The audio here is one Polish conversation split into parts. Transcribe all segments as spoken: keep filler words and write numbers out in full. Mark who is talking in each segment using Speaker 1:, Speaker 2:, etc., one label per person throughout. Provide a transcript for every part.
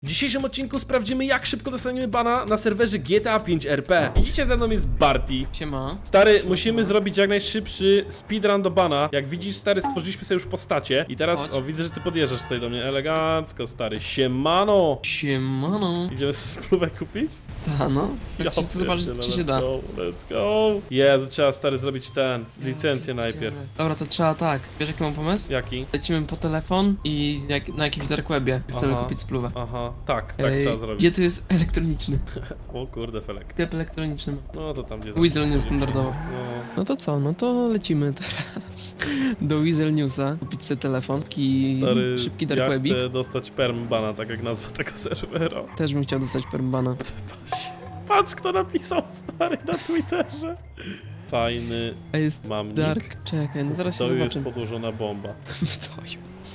Speaker 1: W dzisiejszym odcinku sprawdzimy, jak szybko dostaniemy bana na serwerze G T A pięć R P. I dzisiaj ze mną jest Barty.
Speaker 2: Siema.
Speaker 1: Stary, Siema. musimy zrobić jak najszybszy speedrun do bana. Jak widzisz, stary, stworzyliśmy sobie już postacie. I teraz,
Speaker 2: Chodź.
Speaker 1: o, widzę, że ty podjeżdżasz tutaj do mnie elegancko, stary. Siemano!
Speaker 2: Siemano.
Speaker 1: Idziemy sobie spluwę kupić?
Speaker 2: Ta no.
Speaker 1: Ja
Speaker 2: Chodźcie zobaczyć,
Speaker 1: pierdzielę,
Speaker 2: czy się
Speaker 1: let's
Speaker 2: da.
Speaker 1: Go, let's go! Jezu, trzeba, stary, zrobić ten, licencję
Speaker 2: Ja
Speaker 1: najpierw.
Speaker 2: pierdzielę. Dobra, to trzeba tak. Wiesz jaki mam pomysł?
Speaker 1: Jaki?
Speaker 2: Lecimy po telefon i jak, na jakimś dark webie chcemy
Speaker 1: Aha.
Speaker 2: kupić spluwę.
Speaker 1: Aha, tak, tak
Speaker 2: Ej,
Speaker 1: trzeba zrobić.
Speaker 2: Gdzie tu jest elektroniczny?
Speaker 1: O kurde, felek.
Speaker 2: Sklep elektroniczny.
Speaker 1: No to tam gdzie...
Speaker 2: Weasel News standardowo.
Speaker 1: No.
Speaker 2: No to co? No to lecimy teraz do Weasel Newsa. Kupić sobie telefon. Taki
Speaker 1: Stary,
Speaker 2: szybki dark
Speaker 1: ja
Speaker 2: webik.
Speaker 1: chcę dostać perm bana, tak jak nazwa tego serwera.
Speaker 2: Też bym chciał dostać permbana.
Speaker 1: Patrz, kto napisał, stary, na Twitterze. Fajny
Speaker 2: A jest
Speaker 1: mam nick.
Speaker 2: dark. Czekaj, no zaraz się
Speaker 1: To jest
Speaker 2: zobaczę.
Speaker 1: podłożona bomba.
Speaker 2: To jest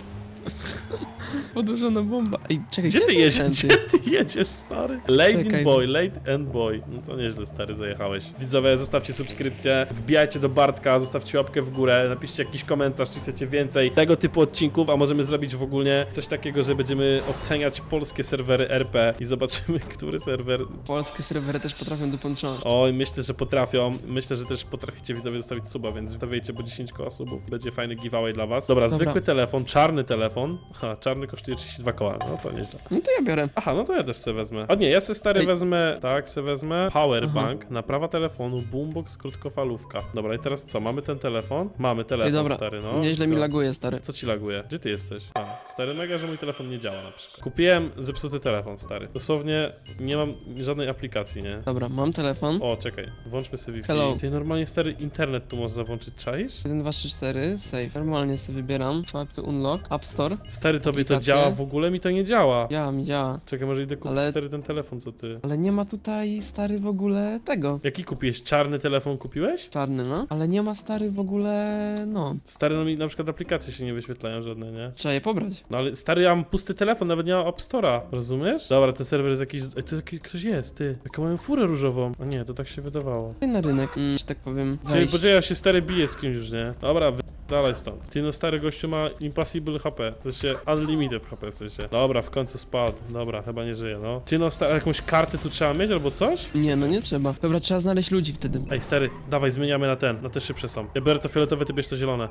Speaker 2: podłożona bomba. Ej, czekaj,
Speaker 1: Gdzie ty
Speaker 2: są
Speaker 1: jedziesz?
Speaker 2: chęty?
Speaker 1: Gdzie ty jedziesz, stary? Late
Speaker 2: Czekaj.
Speaker 1: in boy, late and boy. No to nieźle, stary, zajechałeś. Widzowie, zostawcie subskrypcję, wbijajcie do Bartka, zostawcie łapkę w górę, napiszcie jakiś komentarz, czy chcecie więcej tego typu odcinków, a możemy zrobić w ogóle coś takiego, że będziemy oceniać polskie serwery R P i zobaczymy, który serwer...
Speaker 2: Polskie serwery też potrafią dopończać.
Speaker 1: Oj, myślę, że potrafią. Myślę, że też potraficie widzowie zostawić suba, więc zostawiajcie po dziesięć koła subów. Będzie fajny giveaway dla was. Dobra,
Speaker 2: Dobra.
Speaker 1: zwykły telefon, czarny telefon. Ha, czarny kosztuje trzydzieści dwa koła. No to nieźle.
Speaker 2: No to ja biorę.
Speaker 1: Aha, no to ja też sobie wezmę. A nie, ja sobie stary
Speaker 2: Ej.
Speaker 1: wezmę, tak, sobie wezmę powerbank,
Speaker 2: Aha.
Speaker 1: naprawa telefonu, boombox, krótkofalówka. Dobra, i teraz co? Mamy ten telefon? Mamy telefon,
Speaker 2: Ej, dobra,
Speaker 1: stary, no.
Speaker 2: nieźle mi
Speaker 1: Tylko-
Speaker 2: laguje, stary.
Speaker 1: Co ci laguje? Gdzie ty jesteś? A, stary, mega, że mój telefon nie działa na przykład. Kupiłem zepsuty telefon, stary. Dosłownie nie mam żadnej aplikacji, nie?
Speaker 2: Dobra, mam telefon.
Speaker 1: O, czekaj, włączmy sobie Wi-Fi.
Speaker 2: Hello.
Speaker 1: Ty normalnie stary internet tu można włączyć, czaisz?
Speaker 2: jeden, dwa, trzy, cztery, save. Normalnie sobie wybieram. Swipe to unlock. App Store.
Speaker 1: Stary, tobie to
Speaker 2: Aplikacje.
Speaker 1: działa, w ogóle mi to nie działa.
Speaker 2: Działa mi, działa.
Speaker 1: Czekaj, może idę kupić
Speaker 2: Ale-
Speaker 1: stary ten telefon, co ty?
Speaker 2: Ale nie ma tutaj, stary, w ogóle tego.
Speaker 1: Jaki kupiłeś? Czarny telefon kupiłeś?
Speaker 2: Czarny, no. Ale nie ma, stary, w ogóle, no.
Speaker 1: Stary, no mi na przykład aplikacje się nie wyświetlają żadne, nie?
Speaker 2: Trzeba je pobrać.
Speaker 1: No ale stary, ja mam pusty telefon, nawet nie mam App Store'a, rozumiesz? Dobra, ten serwer jest jakiś... Ej, to taki ktoś jest, ty. Jaką mają furę różową. A nie, to tak się wydawało.
Speaker 2: I na rynek, mm, że tak powiem.
Speaker 1: Czyli
Speaker 2: wejść.
Speaker 1: poczekaj, ja się stary bije z kimś już, nie? Dobra, wy... dalej stąd. Ty no stary gościu ma impossible H P. W sensie unlimited H P w sensie. Dobra, w końcu spadł. Dobra, chyba nie żyje, no. Ty no stary, jakąś kartę tu trzeba mieć albo coś?
Speaker 2: Nie, no nie trzeba. Dobra, trzeba znaleźć ludzi wtedy.
Speaker 1: Ej, stary, dawaj, zmieniamy na ten, na te szybsze są. Ja biorę to fioletowe, ty bierz to zielone.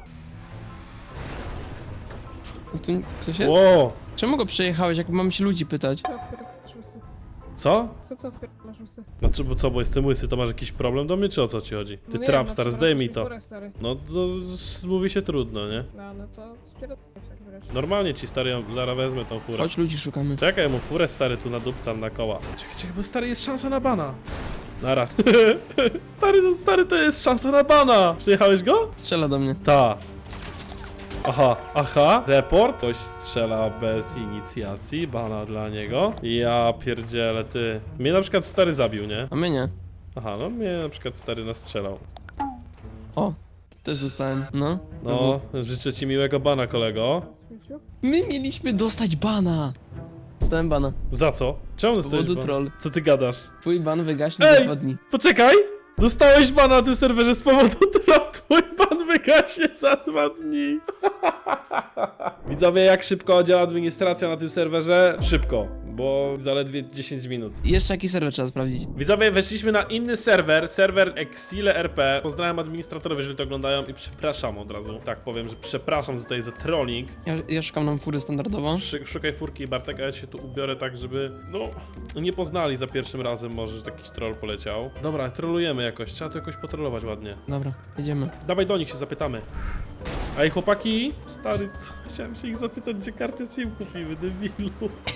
Speaker 2: No tu ktoś jest?
Speaker 1: Ło!
Speaker 2: Czemu go przejechałeś, jak mam się ludzi pytać?
Speaker 3: Co odpierdalasz łysy?
Speaker 1: Co?
Speaker 3: Co, co odpierdalasz łysy?
Speaker 1: Znaczy, bo co, bo jestem łysy, to masz jakiś problem do mnie, czy o co ci chodzi? Ty
Speaker 3: No nie,
Speaker 1: trap,
Speaker 3: no
Speaker 1: stary,
Speaker 3: to
Speaker 1: zdejmij
Speaker 3: wracasz
Speaker 1: to.
Speaker 3: mi górę, stary.
Speaker 1: No, to s- mówi się trudno, nie?
Speaker 3: No, no to spierdolę w takim razie.
Speaker 1: Normalnie ci, stary, ja zaraz wezmę tą furę.
Speaker 2: Chodź, ludzi szukamy.
Speaker 1: Czekaj, mu furę, stary, tu nadupcam na koła. Czekaj, czekaj, bo stary, jest szansa na bana. Nara. Stary, no stary, to jest szansa na bana. Przyjechałeś go?
Speaker 2: Strzela do mnie.
Speaker 1: Ta. Aha, aha, report. Ktoś strzela bez inicjacji, bana dla niego. Ja pierdzielę, ty. Mnie na przykład stary zabił, nie?
Speaker 2: A mnie nie.
Speaker 1: Aha, no mnie na przykład stary nastrzelał.
Speaker 2: O, też dostałem. No.
Speaker 1: No, życzę ci miłego bana, kolego.
Speaker 3: Widziu?
Speaker 2: My mieliśmy dostać bana. Dostałem bana.
Speaker 1: Za co? Czemu
Speaker 2: Z
Speaker 1: dostałeś
Speaker 2: powodu
Speaker 1: ban?
Speaker 2: troll.
Speaker 1: Co ty gadasz?
Speaker 2: Twój ban wygaśnie
Speaker 1: Ej!
Speaker 2: za dwa dni.
Speaker 1: Poczekaj! Dostałeś bana na tym serwerze z powodu troll. Twój ban wygaśnie za dwa dni. Widzowie, jak szybko działa administracja na tym serwerze? Szybko, bo zaledwie dziesięć minut.
Speaker 2: I jeszcze jaki serwer trzeba sprawdzić?
Speaker 1: Widzowie, weszliśmy na inny serwer, serwer Exile R P. Pozdrawiam administratorów, jeżeli to oglądają i przepraszam od razu. Tak powiem, że przepraszam tutaj za trolling.
Speaker 2: Ja, ja szukam nam fury standardowo.
Speaker 1: Szy- Szukaj furki, Bartek, a ja się tu ubiorę tak, żeby, no, nie poznali za pierwszym razem może, że jakiś troll poleciał. Dobra, trolujemy jakoś, trzeba to jakoś potrolować ładnie.
Speaker 2: Dobra, jedziemy.
Speaker 1: Dawaj do nich się zapytamy. Ej, chłopaki, stary, co? Chciałem się ich zapytać, gdzie karty SIM kupimy, debilu.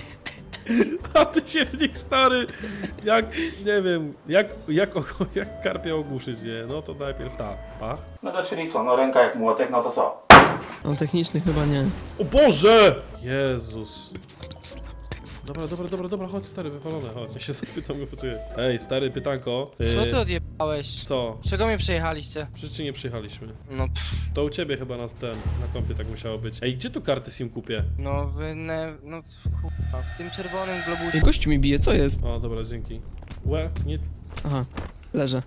Speaker 1: A ty się w nich, stary, jak, nie wiem, jak, jak, jak karpia ogłuszyć, nie? No to najpierw ta, a?
Speaker 4: No to czyli co, no ręka jak młotek, no to co?
Speaker 2: No techniczny chyba nie.
Speaker 1: O Boże! Jezus. Dobra, dobra, dobra, dobra, chodź stary, wywalone, chodź. Ja się zapytam go, poczekaj. Ej, stary, pytanko.
Speaker 5: Co
Speaker 1: Yy,
Speaker 5: ty odjebałeś?
Speaker 1: Co?
Speaker 5: Czego mnie przejechaliście?
Speaker 1: Przecież nie przyjechaliśmy.
Speaker 5: No pff,
Speaker 1: To u ciebie chyba na ten, na kompie tak musiało być. Ej, gdzie tu karty SIM kupię?
Speaker 5: no wy ne, no kurwa, w tym czerwonym globusie.
Speaker 2: Ej, gościu mi bije, co jest?
Speaker 1: O, dobra, dzięki. Łe, nie...
Speaker 2: Aha, leżę.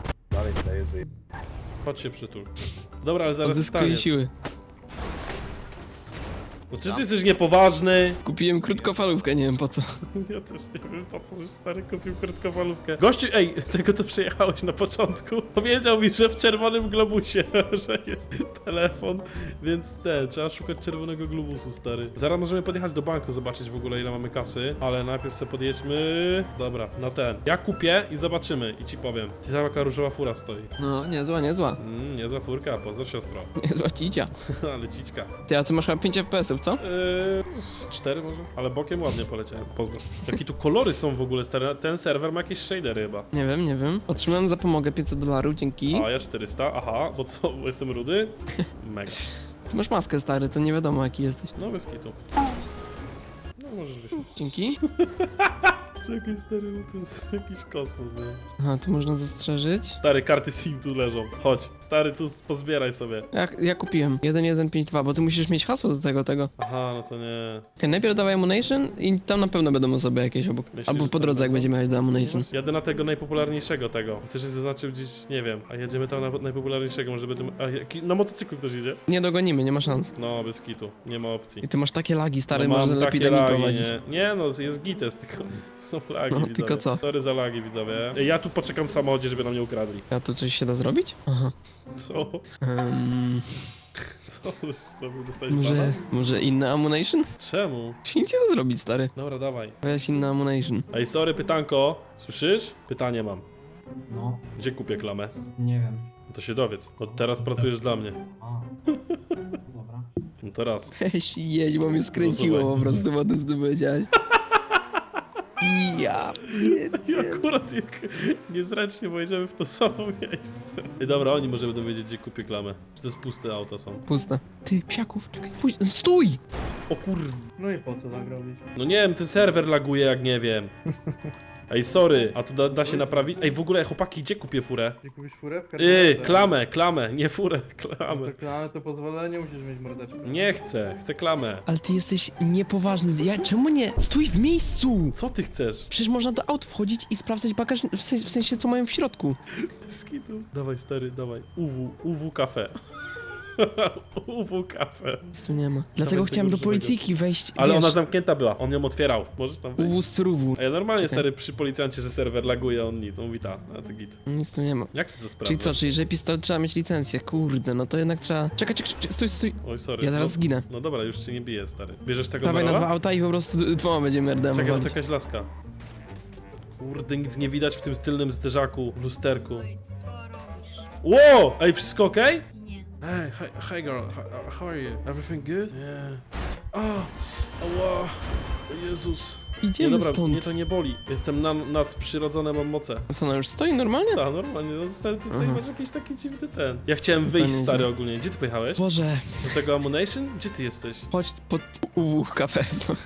Speaker 1: Chodź się przytul. Dobra, ale zaraz
Speaker 2: Odzyskuję
Speaker 1: stanie.
Speaker 2: siły.
Speaker 1: No czy ty jesteś niepoważny?
Speaker 2: Kupiłem krótkofalówkę, nie wiem po co.
Speaker 1: Ja też nie wiem, po co, że stary kupił krótkofalówkę. Gościu, ej, tego co przyjechałeś na początku, powiedział mi, że w czerwonym globusie, że jest telefon, więc te, trzeba szukać czerwonego globusu, stary. Zaraz możemy podjechać do banku, zobaczyć w ogóle ile mamy kasy, ale najpierw sobie podjedźmy, dobra, na ten. Ja kupię i zobaczymy i ci powiem. Ty jaka różowa fura stoi.
Speaker 2: No, niezła, niezła.
Speaker 1: Mm, niezła furka, pozdro siostro.
Speaker 2: Niezła cicia.
Speaker 1: Ale ciczka.
Speaker 2: Ty, a ty masz chyba pięć F P S ów, co?
Speaker 1: Yy, z cztery może? Ale bokiem ładnie poleciałem, pozdro. Jakie tu kolory są w ogóle, stary, ten serwer ma jakieś shadery chyba.
Speaker 2: Nie wiem, nie wiem. Otrzymałem za pomogę pięćset dolarów, dzięki.
Speaker 1: A ja czterysta, aha, bo co, bo jestem rudy? Mega.
Speaker 2: Ty masz maskę, stary, to nie wiadomo jaki jesteś.
Speaker 1: No bez kitu. No możesz wyjść.
Speaker 2: Dzięki.
Speaker 1: Czekaj stary, no to jest jakiś kosmos, nie?
Speaker 2: Aha, tu można zastrzeżyć.
Speaker 1: Stary, karty SIM tu leżą, chodź. Stary, tu pozbieraj sobie.
Speaker 2: Ja, ja kupiłem. jeden jeden pięć dwa, bo ty musisz mieć hasło do tego, tego.
Speaker 1: Aha, no to nie.
Speaker 2: Okay, najpierw dawaj Ammunition i tam na pewno będą osoby jakieś obok.
Speaker 1: Myślisz,
Speaker 2: Albo
Speaker 1: że
Speaker 2: po
Speaker 1: tam
Speaker 2: drodze, jak
Speaker 1: będą?
Speaker 2: będziemy jechać do Ammunition.
Speaker 1: Jadę na tego najpopularniejszego tego. Też jest zaznaczył gdzieś, nie wiem. A jedziemy tam na najpopularniejszego, może będziemy... A jaki... na motocyklu ktoś jedzie?
Speaker 2: Nie dogonimy, nie ma szans.
Speaker 1: No, bez kitu, nie ma opcji.
Speaker 2: I ty masz takie lagi, stary,
Speaker 1: no, mam
Speaker 2: może lepiej
Speaker 1: takie
Speaker 2: do nim
Speaker 1: lagi,
Speaker 2: prowadzić.
Speaker 1: nie. Nie no, jest gites, tylko są lagi,
Speaker 2: No,
Speaker 1: widzowie.
Speaker 2: tylko co?
Speaker 1: Sorry za lagi, widzowie. Ej, ja tu poczekam w samochodzie, żeby nam nie ukradli.
Speaker 2: A tu coś się da zrobić? Aha.
Speaker 1: Co?
Speaker 2: Um,
Speaker 1: Co żeś zrobił? Dostałeś
Speaker 2: może,
Speaker 1: bana?
Speaker 2: może inny Ammunition?
Speaker 1: Czemu?
Speaker 2: Się nic nie da zrobić, stary.
Speaker 1: Dobra, dawaj.
Speaker 2: Weź inny Ammunition.
Speaker 1: Ej, sorry, pytanko. Słyszysz? Pytanie mam.
Speaker 6: No,
Speaker 1: Gdzie kupię klamę?
Speaker 6: nie wiem.
Speaker 1: No to się dowiedz. Od teraz pracujesz dla mnie.
Speaker 6: A, dobra.
Speaker 1: No to raz.
Speaker 2: Weź jedź, bo mnie skręciło
Speaker 1: Zasuwaj.
Speaker 2: po prostu, bo ty z tym powiedziałeś. Ja
Speaker 1: I akurat jak niezręcznie pojedziemy w to samo miejsce. Ej, dobra, oni może będą wiedzieć, gdzie kupię klamę. Czy to jest puste auta są.
Speaker 2: Puste. Ty, psiaków, czekaj, pójdź, stój!
Speaker 1: O kurw.
Speaker 6: No i po co tak robić?
Speaker 1: No nie wiem, ten serwer laguje jak nie wiem. Ej, sorry, a to da, da się naprawić? Ej, w ogóle, chłopaki, gdzie kupię furę?
Speaker 6: Gdzie kupisz furę? W
Speaker 1: Yy, klamę, klamę, nie furę, klamę.
Speaker 6: Klamę to pozwolenie musisz mieć mordeczkę.
Speaker 1: Nie chcę, chcę klamę.
Speaker 2: Ale ty jesteś niepoważny, ja, czemu nie? Stój w miejscu!
Speaker 1: Co ty chcesz?
Speaker 2: Przecież można do aut wchodzić i sprawdzać bagaż, w sensie, w sensie co mają w środku.
Speaker 1: Skitu. Dawaj, stary, dawaj. U W, U W kafe. U W kafe.
Speaker 2: Nic tu nie ma. Dlatego
Speaker 1: tego
Speaker 2: chciałem do
Speaker 1: różowego.
Speaker 2: policyjki wejść,
Speaker 1: Ale
Speaker 2: wiesz,
Speaker 1: ona zamknięta była, on ją otwierał. Możesz tam wejść.
Speaker 2: U W z ruwu.
Speaker 1: A ja normalnie,
Speaker 2: Czekaj.
Speaker 1: stary, przy policjancie, że serwer laguje, on nic, on mówi ta, a to git.
Speaker 2: Nic tu nie ma.
Speaker 1: Jak ty to sprawdzasz?
Speaker 2: Czyli co, czyli że pistolet trzeba mieć licencję, kurde, no to jednak trzeba... Czekaj, czekaj, czekaj, stój, stój.
Speaker 1: Oj, sorry.
Speaker 2: Ja zaraz
Speaker 1: no,
Speaker 2: zginę.
Speaker 1: No dobra, już cię nie biję, stary. Bierzesz tego
Speaker 2: Dawaj na
Speaker 1: Marola?
Speaker 2: dwa auta i po prostu d- dwoma będziemy R D M
Speaker 1: Czekaj, to
Speaker 2: walić.
Speaker 1: jakaś laska. Kurde, nic nie widać w tym tylnym zderzaku, w lusterku.
Speaker 7: Oj, co robisz?
Speaker 1: Wow! Ej, wszystko okej?
Speaker 7: Nie.
Speaker 1: Hey, hi, hi girl, how, how are you? Everything good? Yeah. Ah, ała, Jezus. Nie,
Speaker 2: Idziemy
Speaker 1: dobra,
Speaker 2: stąd.
Speaker 1: mnie to nie boli. Jestem na, nadprzyrodzone, mam moce.
Speaker 2: Co, no już stoi normalnie?
Speaker 1: Tak, normalnie, no stary, ty tutaj
Speaker 2: Aha.
Speaker 1: masz jakiś taki dziwny ten. Ja chciałem
Speaker 2: To
Speaker 1: wyjść,
Speaker 2: nieźle.
Speaker 1: stary, ogólnie. Gdzie ty pojechałeś?
Speaker 2: Boże,
Speaker 1: Do tego Ammunition? Gdzie ty jesteś?
Speaker 2: chodź pod U W kafe znowu.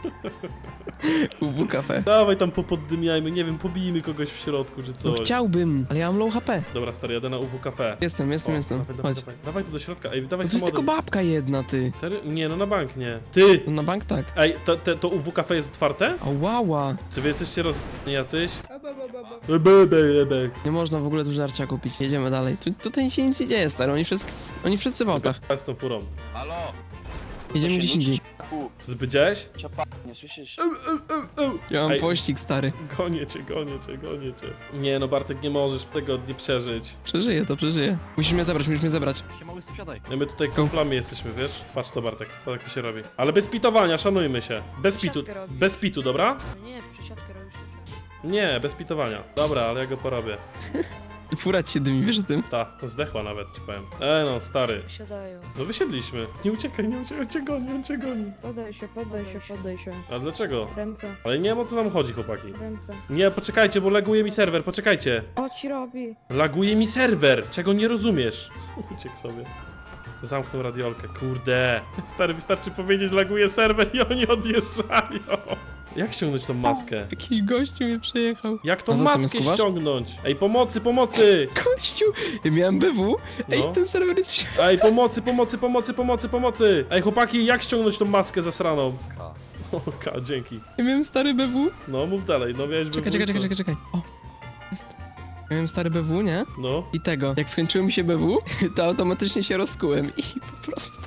Speaker 2: U W kafe.
Speaker 1: Dawaj tam popoddymiajmy, nie wiem, pobijmy kogoś w środku, czy
Speaker 2: No
Speaker 1: coś.
Speaker 2: chciałbym, ale ja mam low H P.
Speaker 1: Dobra, stary, jadę na U W Cafe.
Speaker 2: Jestem, jestem,
Speaker 1: O,
Speaker 2: jestem.
Speaker 1: Dawaj, dawaj,
Speaker 2: Chodź.
Speaker 1: dawaj, dawaj tu do środka, ej, dawaj
Speaker 2: No to jest tylko
Speaker 1: samochodem.
Speaker 2: babka jedna, ty.
Speaker 1: Serio? Nie, no na bank nie. Ty!
Speaker 2: No na bank tak.
Speaker 1: Ej, to, to, to U W Cafe jest otwarte?
Speaker 2: A wała.
Speaker 1: Czy wy jesteście roz... jacyś?
Speaker 3: A, ba, ba, ba, ba.
Speaker 1: Ebe, ebe, ebe.
Speaker 2: Nie można w ogóle tu żarcia kupić. Jedziemy dalej. Tu, tutaj się nic nie dzieje, stary. Oni wszyscy, oni wszyscy w autach.
Speaker 1: Ja z tą furą.
Speaker 5: Halo?
Speaker 2: Jedziemy gdzieś indziej.
Speaker 1: Co ty powiedziałeś?
Speaker 5: Ciapa, nie słyszysz?
Speaker 2: Ja mam
Speaker 1: Ej.
Speaker 2: pościg, stary.
Speaker 1: Gonię cię, gonię cię, gonię cię. Nie no, Bartek, nie możesz tego nie przeżyć.
Speaker 2: Przeżyję to, przeżyję. Musisz mnie zabrać, musisz mnie zabrać.
Speaker 5: Siema, łysy, wsiadaj.
Speaker 1: No my tutaj kumplami jesteśmy, wiesz? Patrz to, Bartek, patrz jak to się robi. Ale bez pitowania, szanujmy się. Bez pitu,
Speaker 7: Siatkę robisz.
Speaker 1: bez pitu, dobra?
Speaker 7: Nie, przesiadkę robisz.
Speaker 1: Nie, bez pitowania. Dobra, ale ja go porobię.
Speaker 2: Fura ci się dymi, wiesz o tym?
Speaker 1: Ta, to zdechła nawet, ci powiem. E no, stary.
Speaker 7: Siadają.
Speaker 1: No wysiedliśmy. Nie uciekaj, nie uciekaj, on cię goni, on cię goni.
Speaker 3: Poddaj się, poddaj się, poddaj się.
Speaker 1: Ale dlaczego?
Speaker 3: Ręce,
Speaker 1: Ale nie wiem o co nam chodzi, chłopaki.
Speaker 3: ręce.
Speaker 1: Nie, poczekajcie, bo laguje mi serwer, poczekajcie.
Speaker 3: Co ci robi?
Speaker 1: Laguje mi serwer, czego nie rozumiesz. Uciekł sobie. Zamknął radiolkę, kurde. Stary, wystarczy powiedzieć, laguje serwer i oni odjeżdżają. Jak ściągnąć tą maskę?
Speaker 2: Jakiś gościu mnie przejechał.
Speaker 1: Jak tą
Speaker 2: A za co mnie
Speaker 1: maskę
Speaker 2: skuwasz?
Speaker 1: ściągnąć? Ej, pomocy, pomocy!
Speaker 2: Gościu! Ja miałem B W. Ej,
Speaker 1: No.
Speaker 2: ten serwer jest... ś-
Speaker 1: Ej, pomocy, pomocy, pomocy, pomocy, pomocy! Ej, chłopaki, jak ściągnąć tą maskę zasraną?
Speaker 5: K.
Speaker 1: Oka, dzięki.
Speaker 2: Ja miałem stary B W.
Speaker 1: No, mów dalej, no miałeś
Speaker 2: Czekaj,
Speaker 1: B W,
Speaker 2: czekaj,
Speaker 1: co?
Speaker 2: czekaj, czekaj, czekaj. O, jest. Ja miałem stary B W, nie?
Speaker 1: No,
Speaker 2: I tego. Jak skończyło mi się B W, to automatycznie się rozkułem i po prostu...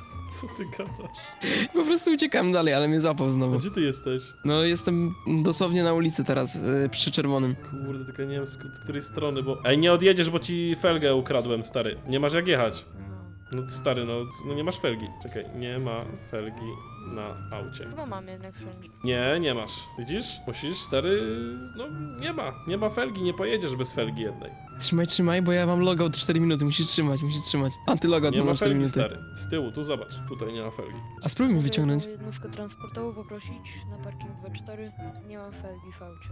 Speaker 1: Co ty gadasz?
Speaker 2: Po prostu uciekałem dalej, ale mnie złapał
Speaker 1: A
Speaker 2: znowu.
Speaker 1: gdzie ty jesteś?
Speaker 2: No jestem dosłownie na ulicy teraz, yy, przy czerwonym.
Speaker 1: Kurde, tylko nie wiem z, z której strony, bo... Ej, nie odjedziesz, bo ci felgę ukradłem, stary. Nie masz jak jechać. No stary, no, no nie masz felgi. Czekaj, nie ma felgi na aucie.
Speaker 7: Chyba mam jednak wszędzie.
Speaker 1: Nie, nie masz. Widzisz? Musisz, stary... No nie ma. Nie ma felgi, nie pojedziesz bez felgi jednej.
Speaker 2: Trzymaj, trzymaj, bo ja mam logout cztery minuty, musisz trzymać, musisz trzymać. Antylogout
Speaker 1: Nie
Speaker 2: mam
Speaker 1: ma
Speaker 2: cztery
Speaker 1: felgi,
Speaker 2: minuty.
Speaker 1: stary. Z tyłu, tu zobacz. Tutaj nie ma felgi.
Speaker 2: A spróbuj mi
Speaker 7: Mogę
Speaker 2: wyciągnąć.
Speaker 7: jedną jednostkę transportową poprosić na parking dwa cztery. Nie mam felgi w aucie.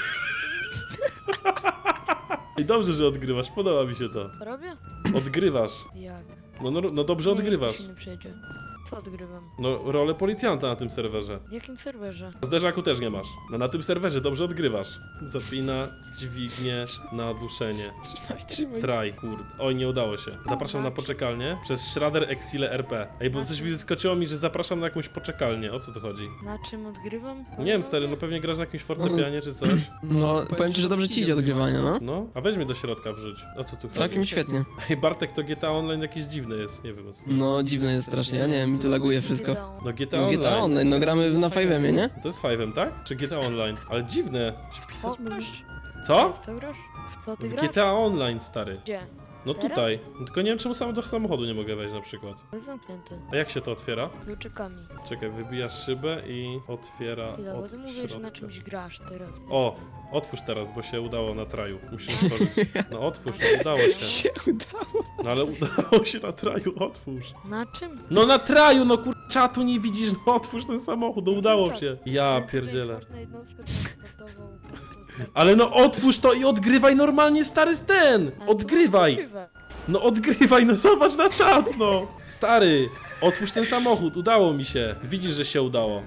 Speaker 1: I dobrze, że odgrywasz, podoba mi się to.
Speaker 7: Co robię?
Speaker 1: Odgrywasz.
Speaker 7: Jak?
Speaker 1: No, no, no dobrze
Speaker 7: Nie,
Speaker 1: odgrywasz.
Speaker 7: nikt się nie przyjedzie. Co odgrywam?
Speaker 1: No, rolę policjanta na tym serwerze.
Speaker 7: W jakim serwerze?
Speaker 1: Zderzaku też nie masz. No na tym serwerze dobrze odgrywasz. Zapina, dźwignię, na duszenie.
Speaker 2: Trzymaj, trzymaj.
Speaker 1: Traj, kurde. Oj, nie udało się. Zapraszam na poczekalnię przez Schrader Exile R P. Ej, bo coś wyskoczyło mi, że zapraszam na jakąś poczekalnię. O co tu chodzi?
Speaker 7: Na czym odgrywam?
Speaker 1: Nie wiem, stary, no pewnie grasz na jakimś fortepianie czy coś.
Speaker 2: No, powiem ci, że dobrze ci idzie odgrywanie, no.
Speaker 1: No, a weź mnie do środka wrzuć. O co tu chodzi?
Speaker 2: Całkiem świetnie.
Speaker 1: Ej, Bartek, to G T A Online jakieś dziwne jest. Nie wiem o co.
Speaker 2: No, dziwne jest strasznie, ja nie wiem, mi tu laguje wszystko.
Speaker 1: No G T A
Speaker 2: No, G T A
Speaker 1: Online.
Speaker 2: Online, no gramy na Five'emie, nie?
Speaker 1: To jest Five'em, tak? Czy G T A Online? Ale dziwne.
Speaker 7: Co
Speaker 1: Pisać...
Speaker 7: grasz?
Speaker 1: Co?
Speaker 7: W co grasz? W co ty
Speaker 1: W
Speaker 7: grasz?
Speaker 1: G T A Online, stary.
Speaker 7: Gdzie?
Speaker 1: No
Speaker 7: Teraz?
Speaker 1: tutaj. No tylko nie wiem, czemu sam do samochodu nie mogę wejść na przykład.
Speaker 7: To jest zamknięty.
Speaker 1: A jak się to otwiera?
Speaker 7: Kluczykami.
Speaker 1: Czekaj, wybijasz szybę i otwiera
Speaker 7: Chwila, bo
Speaker 1: od
Speaker 7: ty mówisz, że na
Speaker 1: środka.
Speaker 7: czymś grasz teraz.
Speaker 1: O, otwórz teraz, bo się udało na traju. Musisz otworzyć. No otwórz, no udało się.
Speaker 2: Się udało.
Speaker 1: No ale udało się na traju, otwórz.
Speaker 7: Na czym?
Speaker 1: No na traju, no kur... czatu nie widzisz, no otwórz ten samochód, no udało się. Ja
Speaker 7: Ale tutaj
Speaker 1: pierdzielę.
Speaker 7: Można jednostkę transportową.
Speaker 1: Ale no otwórz to i odgrywaj normalnie stary ten!
Speaker 7: Ale to
Speaker 1: Odgrywaj!
Speaker 7: odgrywa.
Speaker 1: No odgrywaj, no zobacz na czat, no! Stary, otwórz ten samochód, udało mi się. Widzisz, że się udało.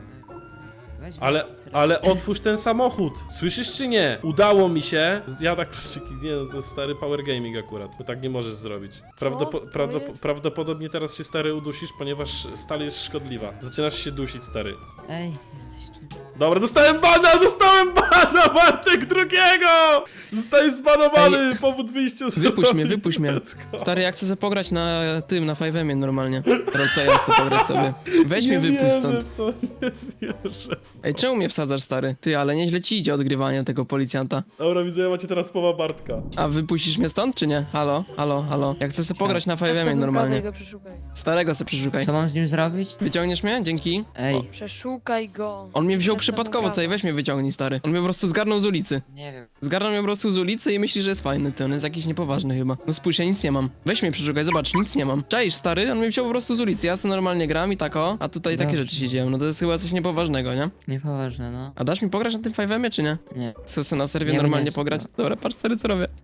Speaker 1: Ale, ale otwórz ten samochód. Słyszysz czy nie? Udało mi się. Zjada kluczyki. Nie no, to jest stary power gaming akurat. Bo tak nie możesz zrobić. Prawdopo
Speaker 7: To
Speaker 1: prawdop
Speaker 7: jest-
Speaker 1: prawdopodobnie teraz się stary udusisz, ponieważ stal jest szkodliwa. Zaczynasz się dusić, stary.
Speaker 8: Ej, jesteś tu.
Speaker 1: Dobra, dostałem bana, dostałem bana, Bartek drugiego! Zostajesz zbanowany, powód wyjścia z
Speaker 2: Wypuść mnie,
Speaker 1: roli.
Speaker 2: wypuść mnie.
Speaker 1: Let's go.
Speaker 2: Stary, ja chcę zapograć na tym, na Five'emie normalnie. Roleplaya chcę pograć sobie. Weź mnie
Speaker 1: Nie
Speaker 2: wypuść
Speaker 1: wierzę
Speaker 2: stąd.
Speaker 1: w to, nie wierzę.
Speaker 2: Ej, czemu mnie wsadzasz, stary? Ty, ale nieźle ci idzie odgrywanie tego policjanta.
Speaker 1: Dobra, widzę, macie teraz słowa Bartka.
Speaker 2: A wypuścisz mnie stąd, czy nie? Halo, halo, halo. Ja chcę sobie pograć na Five'emie normalnie.
Speaker 7: Go przeszukaj.
Speaker 2: Starego se przeszukaj.
Speaker 8: Co mam z nim zrobić?
Speaker 2: Wyciągniesz mnie? Dzięki.
Speaker 8: Ej,
Speaker 7: Przeszukaj go.
Speaker 2: On mnie wziął
Speaker 7: Przestań
Speaker 2: przypadkowo
Speaker 7: gadać.
Speaker 2: tutaj, weź mnie wyciągnij, stary. On mnie po prostu zgarnął z ulicy.
Speaker 8: nie wiem.
Speaker 2: Zgarnął mnie po prostu z ulicy i myśli, że jest fajny, ty, on jest jakiś niepoważny chyba. No spójrz, ja nic nie mam. Weź mnie przeszukaj, zobacz, nic nie mam. Czaisz, stary? On mnie wziął po prostu z ulicy, ja sobie normalnie gram i tak o, a tutaj takie
Speaker 8: Dobrze.
Speaker 2: rzeczy się dzieją, no to jest chyba coś niepoważnego, nie?
Speaker 8: Niepoważne, no.
Speaker 2: A dasz mi pograć na tym Five'emie, czy nie?
Speaker 8: Nie.
Speaker 2: Chcę sobie na serwie
Speaker 8: Nie
Speaker 2: normalnie
Speaker 8: będę
Speaker 2: pograć?
Speaker 8: chciał.
Speaker 2: Dobra, patrz, stary, co robię.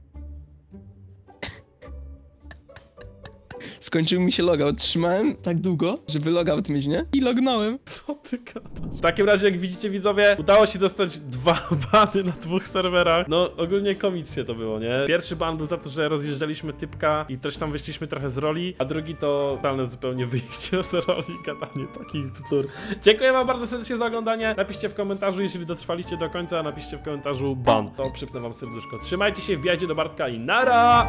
Speaker 2: Skończył mi się logout, trzymałem tak długo, żeby logout mieć, nie? I lognąłem.
Speaker 1: Co ty gadasz? W takim razie, jak widzicie widzowie, udało się dostać dwa bany na dwóch serwerach. No, ogólnie komicznie to było, nie? Pierwszy ban był za to, że rozjeżdżaliśmy typka i też tam wyszliśmy trochę z roli, a drugi to totalne zupełnie wyjście z roli, gadanie takich bzdur. Dziękuję wam bardzo serdecznie za oglądanie. Napiszcie w komentarzu, jeżeli dotrwaliście do końca, napiszcie w komentarzu ban. To przypnę wam serduszko. Trzymajcie się, wbijajcie do Bartka i nara!